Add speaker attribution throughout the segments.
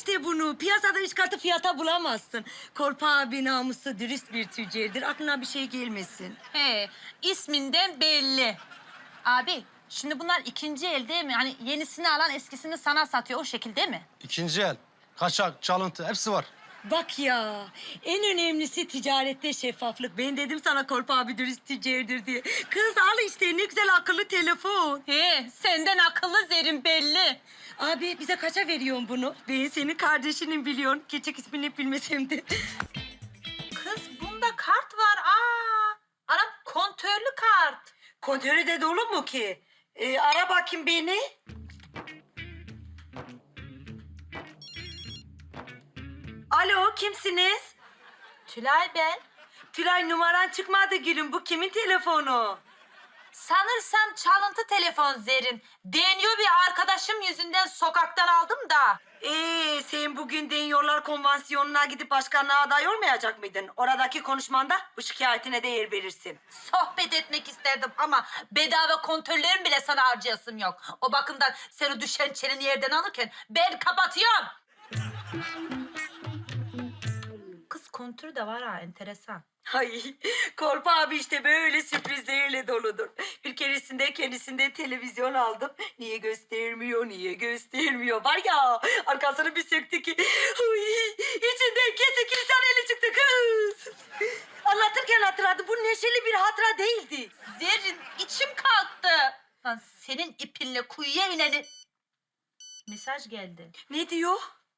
Speaker 1: işte bunu. Piyasada üç katı fiyata bulamazsın. Korpa abi namuslu, dürüst bir tüccardır. Aklına bir şey gelmesin.
Speaker 2: He, isminden belli. Abi, şimdi bunlar ikinci el değil mi? Hani yenisini alan eskisini sana satıyor, o şekilde mi?
Speaker 3: İkinci el, kaçak, çalıntı hepsi var.
Speaker 1: Bak ya, en önemlisi ticarette şeffaflık. Ben dedim sana Korpa abi dürüst tüccardır diye. Kız al işte, ne güzel akıllı telefon.
Speaker 2: He, senden akıllı Zerrin belli.
Speaker 1: Abi bize kaça veriyorsun bunu? Ben senin kardeşinin biliyorsun. Gerçek ismini bilmesem de.
Speaker 2: Kız bunda kart var. Anam kontörlü kart.
Speaker 1: Kontörü de dolu mu ki? Ara bakayım beni. Alo, kimsiniz?
Speaker 2: Tülay ben.
Speaker 1: Tülay, numaran çıkmadı gülüm. Bu kimin telefonu?
Speaker 2: Sanırsam çalıntı telefon Zerrin. Deniyor bir arkadaşım yüzünden sokaktan aldım da.
Speaker 1: Sen bugün Deniyorlar Konvansiyonu'na gidip başkanlığa aday olmayacak mıydın? Oradaki konuşmanda bu şikayetine de yer verirsin.
Speaker 2: Sohbet etmek isterdim ama bedava kontörlerim bile sana harcayasım yok. O bakımdan sen o düşen çelini yerden alırken ben kapatıyorum. Kız kontür de var ha, enteresan.
Speaker 1: Ay, Korpa abi işte böyle sürprizlerle doludur. Bir keresinde kendisinde televizyon aldım. Niye göstermiyor, niye göstermiyor? Var ya, arkasını bir söktü ki... Ay, içinden kesik insan eli çıktı kız. Anlatırken hatırladım. Bu neşeli bir hatıra değildi.
Speaker 2: Zerrin içim kalktı. Lan senin ipinle kuyuya ineni... Mesaj geldi.
Speaker 1: Ne diyor?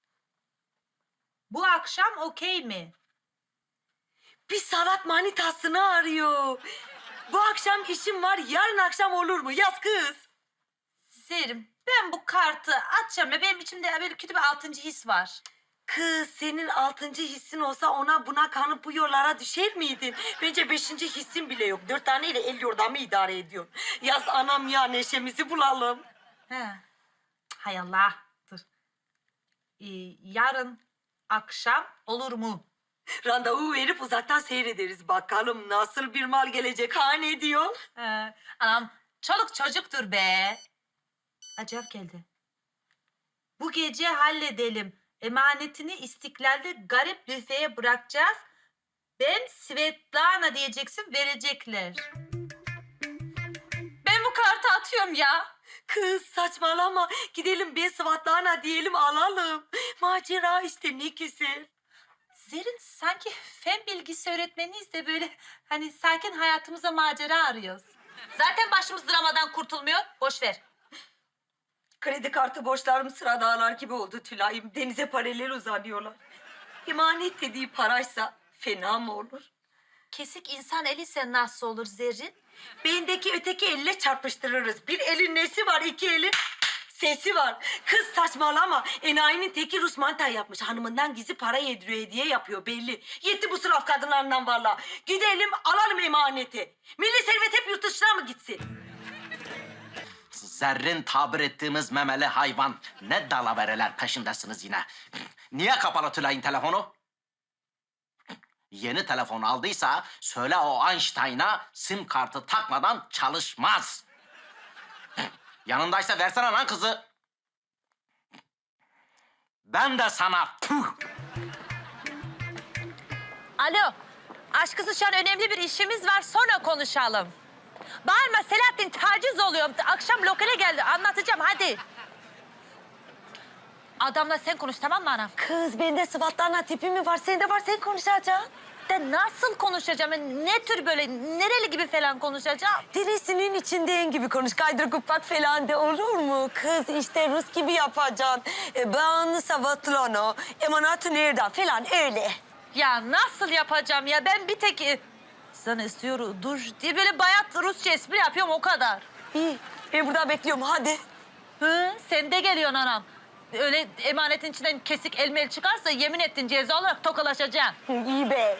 Speaker 2: Bu akşam okey mi?
Speaker 1: Bir sanat manitasını arıyor. Bu akşam işim var, yarın akşam olur mu? Yaz kız.
Speaker 2: Zerrin ben bu kartı açacağım ya benim içimde böyle kötü bir altıncı his var.
Speaker 1: Kız, senin altıncı hissin olsa ona buna kanıp bu yollara düşer miydin? Bence beşinci hissin bile yok. 4 taneyle el yordamı idare ediyorsun. Yaz anam ya, neşemizi bulalım.
Speaker 2: He. Hay Allah. Dur. Yarın akşam olur mu?
Speaker 1: Randevu verip uzaktan seyrederiz. Bakalım nasıl bir mal gelecek, ha ne diyor?
Speaker 2: Anam çoluk çocuktur be. Acayip geldi. Bu gece halledelim. Emanetini İstiklal'de garip büfeye bırakacağız. Ben Svetlana diyeceksin, verecekler. Ben bu kartı atıyorum ya.
Speaker 1: Kız saçmalama. Gidelim bir Svatlana diyelim, alalım. Macera işte, ne güzel.
Speaker 2: Zerrin sanki fen bilgisi öğretmeniyiz de böyle hani sakin hayatımıza macera arıyoruz. Zaten başımız dramadan kurtulmuyor. Boş ver.
Speaker 1: Kredi kartı borçlarım sıra dağlar gibi oldu Tülay'ım. Denize paralel uzanıyorlar. İmanet dediği paraysa fena mı olur?
Speaker 2: Kesik insan eli ise nasıl olur Zerrin?
Speaker 1: Beyindeki öteki elle çarpıştırırız. Bir elin nesi var, iki elin sesi var. Kız saçmalama. Enayinin teki Rus manita yapmış. Hanımından gizli para yediriyor, hediye yapıyor belli. Yetti bu sıraf kadınlarından valla. Gidelim alalım emaneti. Milli servet hep yurt dışına mı gitsin?
Speaker 4: Zerrin tabir ettiğimiz memeli hayvan. Ne dalavereler peşindesiniz yine. Niye kapalı Tülay'ın telefonu? Yeni telefon aldıysa söyle o Einstein'a sim kartı takmadan çalışmaz. Yanındaysa versene lan kızı. Ben de sana puh.
Speaker 2: Alo. Aşkısı şu an önemli bir işimiz var. Sonra konuşalım. Bağırma Selahattin, taciz oluyor. Akşam lokale geldi. Anlatacağım hadi. Adamla sen konuş tamam mı anam?
Speaker 1: Kız bende Svatlana tipi mi var? Sende var, sen konuşacaksın.
Speaker 2: De nasıl konuşacağım? Ne tür böyle nereli gibi falan konuşacağım?
Speaker 1: Dirisinin içindeyim gibi konuş. Kaydır kupak falan de olur mu? Kız işte Rus gibi yapacaksın. Ben Svatlana, emanatı nereden falan öyle.
Speaker 2: Ya nasıl yapacağım ya? Ben bir tek sana istiyorum dur diye böyle bayat Rusça espri yapıyorum o kadar.
Speaker 1: İyi, ben burada bekliyorum hadi.
Speaker 2: Hı, sen de geliyorsun anam. Öyle emanetin içinden kesik elmeli çıkarsa yemin ettin ceza olarak tokalaşacaksın.
Speaker 1: İyi be.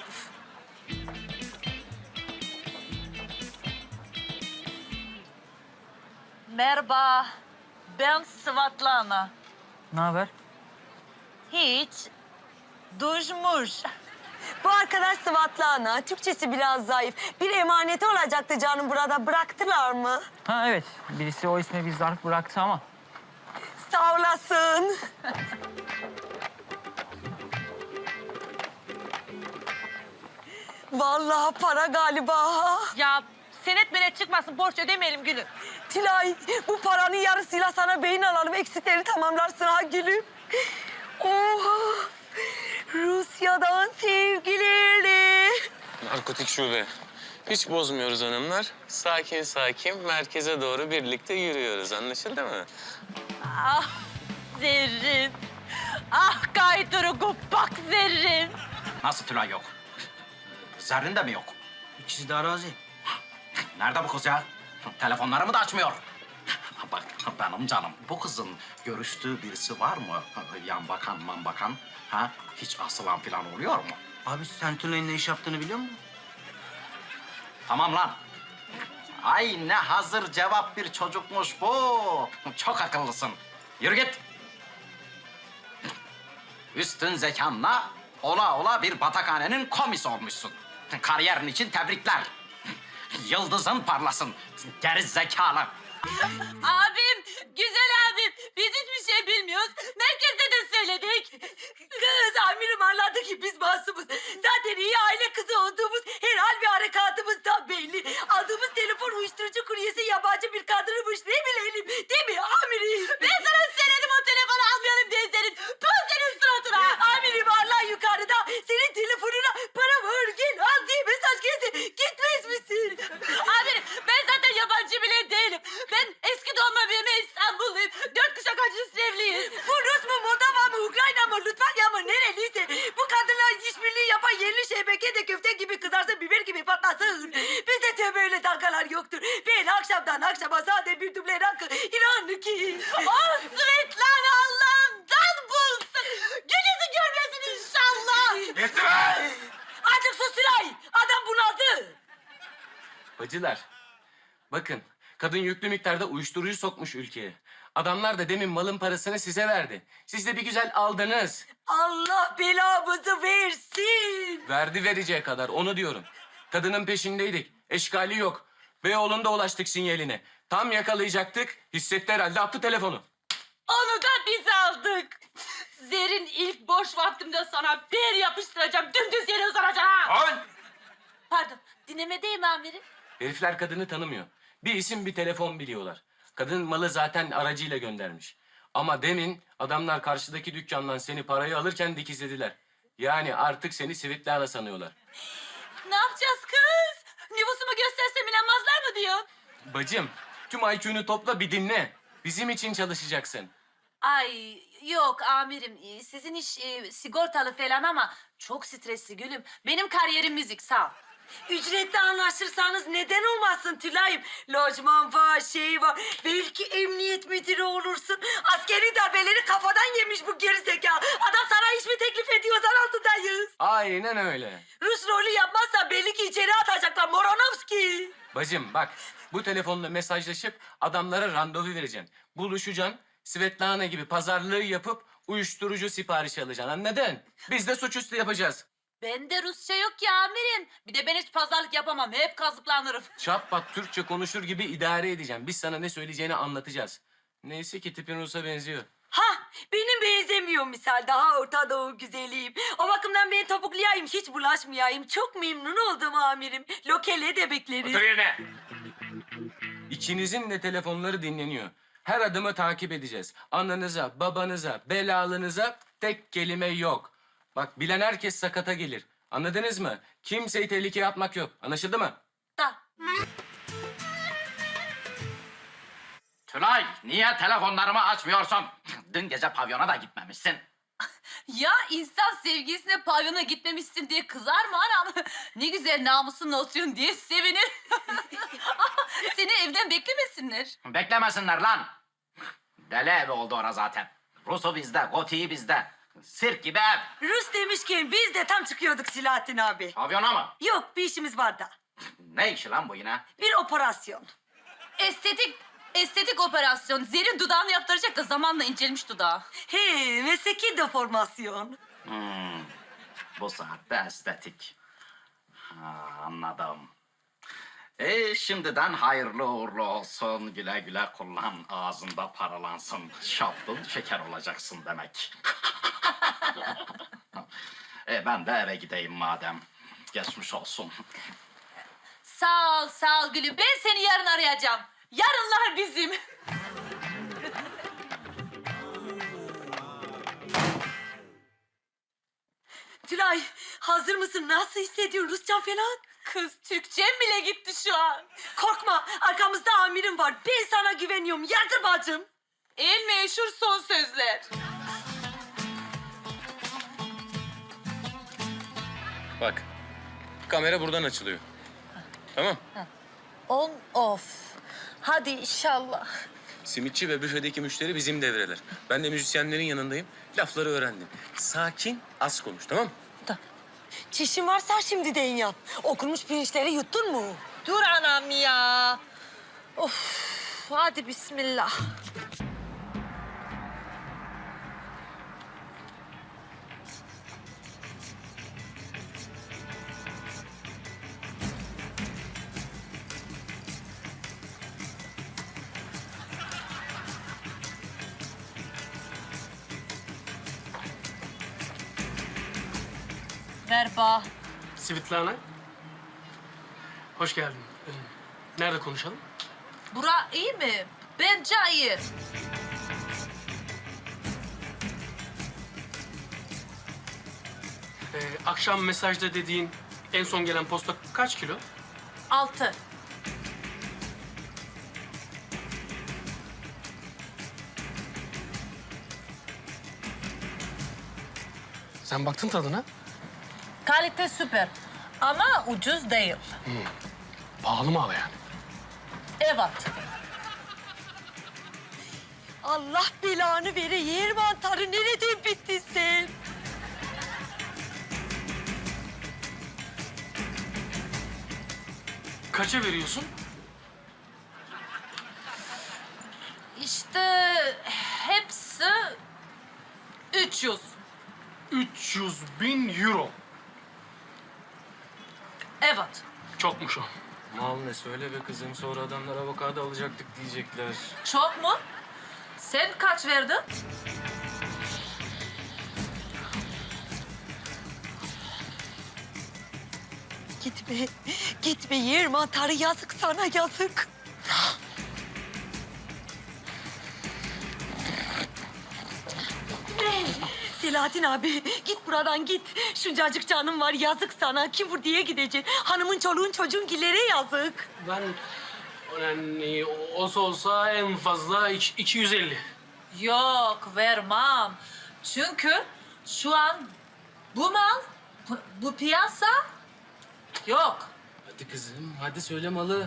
Speaker 2: Merhaba, ben Svatlana.
Speaker 5: Ne haber?
Speaker 2: Hiç, duşmuş.
Speaker 1: Bu arkadaş Svatlana. Türkçesi biraz zayıf. Bir emaneti olacaktı canım burada. Bıraktılar mı?
Speaker 5: Ha evet. Birisi o isme bir zarf bıraktı ama.
Speaker 1: Sağ olasın. Vallahi para galiba.
Speaker 2: Ya senet menet çıkmasın, borç ödemeyelim gülüm.
Speaker 1: Tilay, bu paranın yarısıyla sana beyin alalım. Eksikleri tamamlarsın ha gülüm. Oha! Rusya'dan sevgilerle.
Speaker 6: Narkotik şube. Hiç bozmuyoruz hanımlar. Sakin sakin merkeze doğru birlikte yürüyoruz. Anlaşıldı mı?
Speaker 2: Ah Zerrin. Ah Gayduru Guppak Zerrin.
Speaker 4: Nasıl Tülay yok? Zerrin de mi yok?
Speaker 3: İkisi de arazi.
Speaker 4: Nerede bu kız ya? Telefonlarımı da açmıyor. Bak benim canım, bu kızın görüştüğü birisi var mı? Yan bakan, man bakan. Ha? Hiç asılan falan oluyor mu?
Speaker 3: Abi sen Tülay'ın ne iş yaptığını biliyor musun?
Speaker 4: Tamam lan. Ay ne hazır cevap bir çocukmuş bu. Çok akıllısın. Yürü git. Üstün zekanla ola ola bir batakhanenin komisi olmuşsun. Kariyerin için tebrikler. Yıldızın parlasın. Geri zekalı.
Speaker 2: Abim, güzel abim. Biz hiçbir şey bilmiyoruz. Merkezde de söyledik.
Speaker 1: Kız amirim anladı ki biz masumuz. Zaten iyi aile kızı olduğumuz her hal ve harekatımızdan belli. Aldığımız telefon uyuşturucu kuryesi yabancı bir kadınmış. Ne bilelim değil mi amirim?
Speaker 2: Ben sana söyledim o telefonu almayalım diye senin. Tuz senin suratına.
Speaker 1: Amirim Allah yukarıda senin telefonuna para var gel al diye mesaj gelse gitmez misin?
Speaker 2: Amirim ben zaten yabancı bile değilim. Ben eski doğma büyüme İstanbulluyum. 4 kuşak acısı evliyiz.
Speaker 1: Bu Rus mu, Moldova mı, Ukrayna mı, Litvanya mı nereliyse bu kadınlar işbirliği yapan yerli şebeke de köfte gibi kızarsın, biber gibi patlasın. Bizde tövbe öyle dalgalar yoktur. Ben akşamdan akşama sade bir duble rakı inan ki.
Speaker 2: Oh Svetlana Allah'ından bulsun. Gün yüzü görmesin inşallah.
Speaker 1: Azıcık sus Tülay. Adam bunaldı.
Speaker 6: Bacılar, bakın kadın yüklü miktarda uyuşturucu sokmuş ülkeye. Adamlar da demin malın parasını size verdi. Siz de bir güzel aldınız.
Speaker 1: Allah belamızı versin.
Speaker 6: Verdi vereceği kadar, onu diyorum. Kadının peşindeydik, eşkali yok. Beyoğlu'nda ulaştık sinyaline. Tam yakalayacaktık, hissetti herhalde, attı telefonu.
Speaker 2: Onu da biz aldık. Zer'in ilk boş vaktimde sana bir yapıştıracağım. Dümdüz yere uzanacağım ha. Pardon, dinlemedeyim amirim.
Speaker 6: Herifler kadını tanımıyor. Bir isim bir telefon biliyorlar. Kadın malı zaten aracıyla göndermiş. Ama demin adamlar karşıdaki dükkandan seni parayı alırken dikizlediler. Yani artık seni Svetlana sanıyorlar.
Speaker 2: Ne yapacağız kız? Nüfusumu göstersem inanmazlar mı diyor?
Speaker 6: Bacım, tüm IQ'nu topla bir dinle. Bizim için çalışacaksın.
Speaker 2: Ay yok amirim. Sizin iş sigortalı falan ama çok stresli gülüm. Benim kariyerim müzik sağ ol.
Speaker 1: Ücretli anlaşırsanız neden olmasın Tülay'ım? Lojman var, şey var. Belki emniyet müdürü olursun. Askeri darbeleri kafadan yemiş bu gerizekalı. Adam sana iş mi teklif ediyor? Zar altındayız.
Speaker 6: Aynen öyle.
Speaker 1: Rus rolü yapmazsa belli ki içeri atacaklar. Moronovski.
Speaker 6: Bacım bak, bu telefonla mesajlaşıp adamlara randevu vereceksin. Buluşacaksın, Svetlana gibi pazarlığı yapıp uyuşturucu siparişi alacaksın, anladın? Biz de suçüstü yapacağız.
Speaker 2: Bende Rusça yok ya amirim. Bir de ben hiç pazarlık yapamam. Hep kazıklanırım.
Speaker 6: Çap bak Türkçe konuşur gibi idare edeceğim. Biz sana ne söyleyeceğini anlatacağız. Neyse ki tipin Rus'a benziyor.
Speaker 1: Ha, benim benzemiyor misal. Daha Orta Doğu güzeliyim. O bakımdan ben topuklayayım, hiç bulaşmayayım. Çok memnun oldum amirim. Lokele de bekleriz.
Speaker 6: yerine. İkinizin de telefonları dinleniyor. Her adımı takip edeceğiz. Ananıza, babanıza, belalınıza tek kelime yok. Bak bilen herkes sakata gelir. Anladınız mı? Kimseyi tehlikeye atmak yok. Anlaşıldı mı?
Speaker 2: Da.
Speaker 4: Tülay, niye telefonlarımı açmıyorsun? Dün gece pavyona da gitmemişsin.
Speaker 2: Ya insan sevgilisine pavyona gitmemişsin diye kızar mı anam? Ne güzel namusunla oturuyorsun diye sevinir. Seni evden beklemesinler.
Speaker 4: Beklemesinler lan. Deli evi oldu ora zaten. Rus'u bizde, Goti'yi bizde. Sirk gibi ev.
Speaker 1: Rus demişken biz de tam çıkıyorduk Silahattin abi.
Speaker 4: Pavyona mı?
Speaker 1: Yok, bir işimiz var da.
Speaker 4: Ne işi lan bu yine?
Speaker 1: Bir operasyon.
Speaker 2: Estetik operasyon. Zer'in dudağını yaptıracak da zamanla incelmiş dudağı.
Speaker 1: He, mesleki deformasyon.
Speaker 4: Bu saatte estetik. Ha, anladım. Şimdiden hayırlı uğurlu olsun. Güle güle kullan. Ağzında paralansın. Şaptın şeker olacaksın demek. Ben de eve gideyim madem. Geçmiş olsun.
Speaker 2: Sağ ol gülüm. Ben seni yarın arayacağım. Yarınlar bizim.
Speaker 1: Tülay hazır mısın? Nasıl hissediyorsun? Rusça falan?
Speaker 2: Kız Türkçem bile gitti şu an.
Speaker 1: Korkma arkamızda amirim var. Ben sana güveniyorum. Yardır bacım.
Speaker 2: En meşhur son sözler.
Speaker 6: Bak, kamera buradan açılıyor. Tamam.
Speaker 7: On off. Hadi inşallah.
Speaker 6: Simitçi ve büfedeki müşteri bizim devreler. Ben de müzisyenlerin yanındayım. Lafları öğrendim. Sakin, az konuş, tamam mı?
Speaker 1: Çişin varsa şimdiden yap. Okunmuş pirinçleri yuttun mu?
Speaker 7: Dur anam ya. Of. Hadi bismillah.
Speaker 2: Merhaba.
Speaker 8: Svitlana. Hoş geldin. Nerede konuşalım?
Speaker 2: Bura iyi mi? Bence iyi.
Speaker 8: Akşam mesajda dediğin en son gelen posta kaç kilo?
Speaker 2: 6.
Speaker 8: Sen baktın tadına.
Speaker 7: Kalite süper. Ama ucuz değil.
Speaker 8: Pahalı mı hala yani?
Speaker 7: Evet.
Speaker 1: Allah belanı vere yer mantarı nereden bittin sen?
Speaker 8: Kaça veriyorsun?
Speaker 2: İşte hepsi 300.
Speaker 8: 300.000 euro.
Speaker 2: Evet.
Speaker 8: Çokmuş o.
Speaker 6: Mal ne söyle be kızım. Sonra adamlar avokado alacaktık diyecekler.
Speaker 2: Çok mu? Sen kaç verdin?
Speaker 1: Gitme, gitme yer mantarı yazık sana yazık. Selahattin abi git buradan git. Şuncacık canım var yazık sana. Kim vur diye gideceksin. Hanımın çoluğun çocuğun gillere yazık.
Speaker 8: Ben yani olsa en fazla 250.
Speaker 2: Yok vermem. Çünkü şu an bu mal, bu piyasa yok.
Speaker 6: Hadi kızım, hadi söyle malı.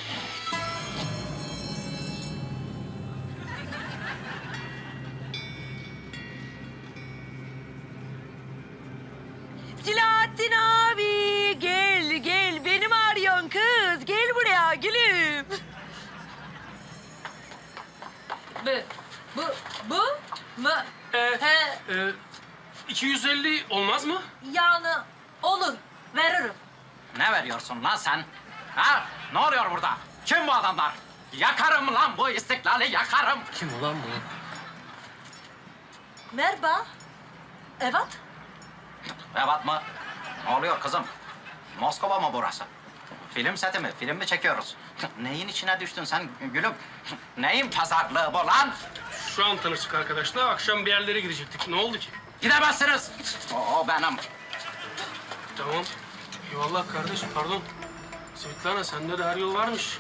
Speaker 1: Selahattin abi gel gel. Beni mi arıyorsun kız? Gel buraya gülüm.
Speaker 2: Bu mu? He,
Speaker 8: 250 olmaz mı?
Speaker 2: yani olur veririm.
Speaker 4: Ne veriyorsun lan sen? Ha? Ne oluyor burada? Kim bu adamlar? Yakarım lan bu istiklali yakarım.
Speaker 6: Kim ulan bu?
Speaker 2: Merhaba. Evet.
Speaker 4: Evet mı? Ne oluyor kızım? Moskova mı burası? Film seti mi? Film mi çekiyoruz? Neyin içine düştün sen gülüm? Neyin pazarlığı bu lan?
Speaker 8: Şu an tanıştık arkadaşlar. Akşam bir yerlere gidecektik. Ne oldu ki?
Speaker 4: Gidemezsiniz. O benim.
Speaker 8: Tamam. Eyvallah kardeş. Pardon. Svitlana sende de her yol varmış.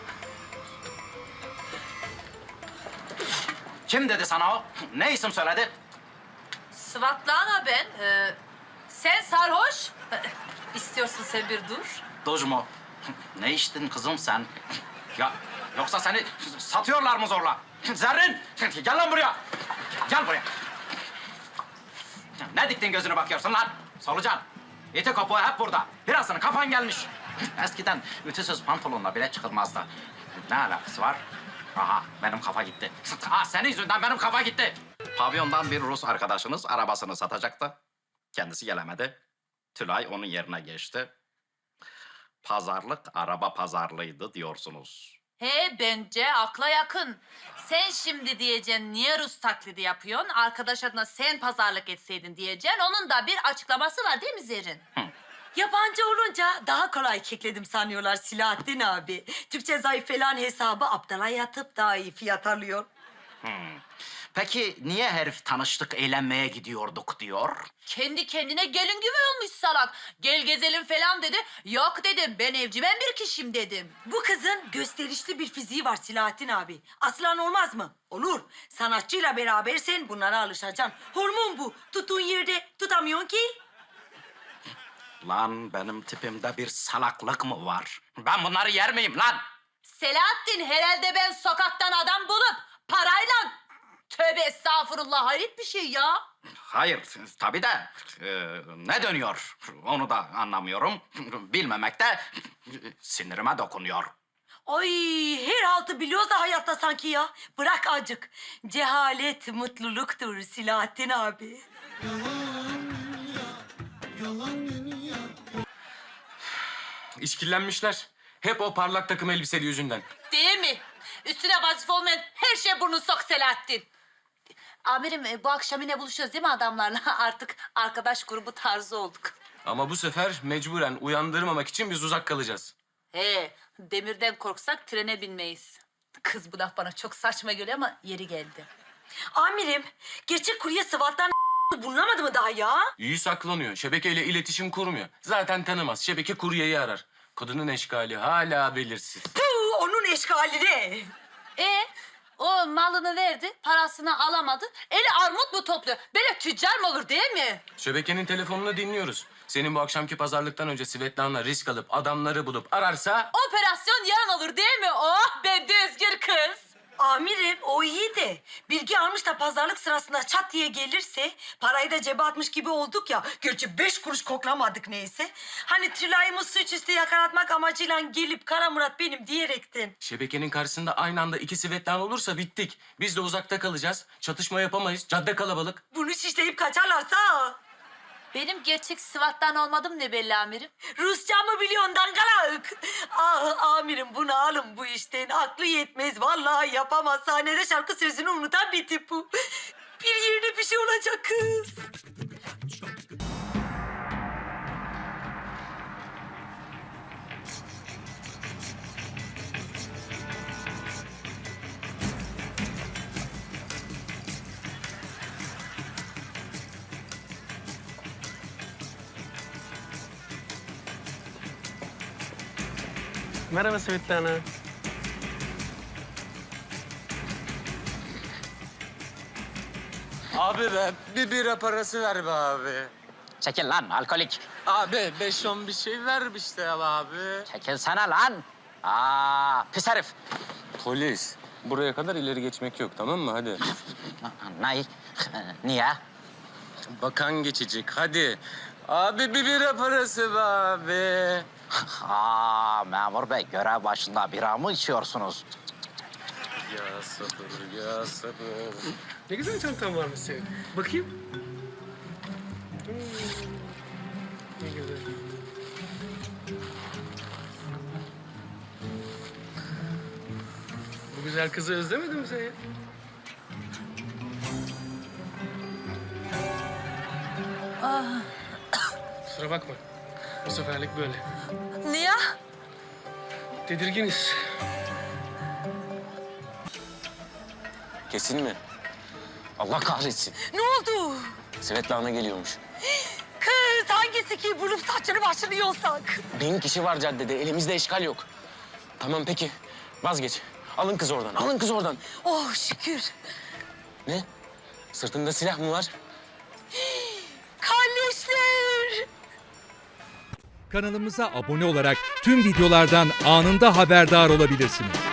Speaker 4: Kim dedi sana o? Ne isim söyledi?
Speaker 2: Svatlana ben. Sen sarhoş. İstiyorsun sen bir dur.
Speaker 4: Doz mu? Ne içtin kızım sen? Ya yoksa seni satıyorlar mı zorla? Zerrin! Gel lan buraya! Gel buraya! Ne diktin gözüne bakıyorsun lan? Solucan! İti kopuğu hep burada. Birazını kafan gelmiş. Eskiden ütüsüz pantolonla bile çıkılmazdı. Ne alakası var? Aha benim kafa gitti. Senin yüzünden benim kafa gitti. Pavyondan bir Rus arkadaşınız arabasını satacaktı. Kendisi gelemedi. Tülay onun yerine geçti. Pazarlık araba pazarlığıydı diyorsunuz.
Speaker 2: He bence akla yakın. Sen şimdi diyeceksin niye Rus taklidi yapıyorsun? Arkadaş adına sen pazarlık etseydin diyeceksin. Onun da bir açıklaması var değil mi Zerrin?
Speaker 1: Yabancı olunca daha kolay kekledim sanıyorlar Silahattin abi. Türkçe zayıf falan hesabı aptala yatıp daha iyi fiyat alıyor.
Speaker 4: Peki niye herif tanıştık, eğlenmeye gidiyorduk diyor?
Speaker 2: Kendi kendine gelin gibi olmuş salak. Gel gezelim falan dedi. Yok dedim, ben evcimen bir kişiyim dedim.
Speaker 1: Bu kızın gösterişli bir fiziği var Silahattin abi. Aslan olmaz mı? Olur. Sanatçıyla berabersen bunlara alışacaksın. Hormon bu. Tuttuğun yerde tutamıyorsun ki.
Speaker 4: Lan benim tipimde bir salaklık mı var? Ben bunları yer miyim lan?
Speaker 2: Selahattin, herhalde ben sokaktan adam bulup parayla... Tövbe estağfurullah, hayret bir şey ya.
Speaker 4: Hayır, tabii de ne dönüyor onu da anlamıyorum. Bilmemek de sinirime dokunuyor.
Speaker 1: Ay her haltı biliyoruz da hayatta sanki ya. Bırak acık. Cehalet mutluluktur Silahattin abi.
Speaker 6: İşkillenmişler. Hep o parlak takım elbiseli yüzünden.
Speaker 2: Değil mi? Üstüne vazife olmayan her şeye burnunu sok Selahattin. Amirim, bu akşam yine buluşuyoruz değil mi adamlarla? Artık arkadaş grubu tarzı olduk.
Speaker 6: Ama bu sefer mecburen uyandırmamak için biz uzak kalacağız.
Speaker 2: He, demirden korksak trene binmeyiz. Kız, bu laf bana çok saçma geliyor ama yeri geldi.
Speaker 1: Amirim, gerçek kurye sıvattan bulunamadı mı daha ya?
Speaker 6: İyi saklanıyor. Şebekeyle iletişim kurmuyor. Zaten tanımaz. Şebeke kuryeyi arar. Kadının eşkali hala belirsiz.
Speaker 1: Puh, onun eşkali ne?
Speaker 2: O malını verdi, parasını alamadı. Eli armut mu topluyor? Böyle tüccar mı olur değil mi?
Speaker 6: Şebekenin telefonunu dinliyoruz. Senin bu akşamki pazarlıktan önce Svetlana risk alıp adamları bulup ararsa...
Speaker 2: Operasyon yarın olur değil mi? Oh be düzgür kız.
Speaker 1: Amirim o iyi de bilgi almış da pazarlık sırasında çat diye gelirse parayı da cebe atmış gibi olduk ya. Gerçi 5 kuruş koklamadık neyse. Hani Tülay'ımı suçüstü yakalatmak amacıyla gelip Kara Murat benim diyerekten.
Speaker 6: Şebekenin karşısında aynı anda iki Svetlana olursa bittik. Biz de uzakta kalacağız. Çatışma yapamayız. Cadde kalabalık.
Speaker 1: Bunu şişleyip kaçarlarsa
Speaker 2: Benim gerçek Sıvat'tan olmadım ne belli amirim?
Speaker 1: Rusça mı biliyorsun dangalak? Ah amirim bunu alın bu işten. Aklı yetmez vallahi yapamaz. Sahnede şarkı sözünü unutan bir tip bu. Bir yerine bir şey olacak kız.
Speaker 8: Merhaba Svetlana.
Speaker 9: Abi be bir bira parası ver be abi.
Speaker 4: Çekil lan alkolik.
Speaker 9: Abi 5-10 bir şey ver işte ya abi.
Speaker 4: Çekilsene lan. Pis herif.
Speaker 6: Polis. Buraya kadar ileri geçmek yok, tamam mı? Hadi.
Speaker 4: Niye?
Speaker 6: Bakan geçecek, hadi. Abi bir bira parası be abi.
Speaker 4: Memur bey görev başında bira mı içiyorsunuz?
Speaker 6: Ya sabır, ya sabır.
Speaker 8: Ne güzel çantan varmış senin. Bakayım. Ne güzel. Bu güzel kızı özlemedin mi sen ya? Kusura bakma. Bu seferlik böyle.
Speaker 7: Niye?
Speaker 8: Tedirginiz.
Speaker 6: Kesin mi? Allah kahretsin.
Speaker 1: Ne oldu?
Speaker 6: Svetlana geliyormuş.
Speaker 1: Kız hangisi ki bulup saçını başını yolsak?
Speaker 6: 1000 kişi var caddede, elimizde eşkal yok. Tamam peki, vazgeç. Alın kız oradan, alın kız oradan.
Speaker 1: Oh şükür.
Speaker 6: Ne? Sırtında silah mı var?
Speaker 1: Kardeşler.
Speaker 10: Kanalımıza abone olarak tüm videolardan anında haberdar olabilirsiniz.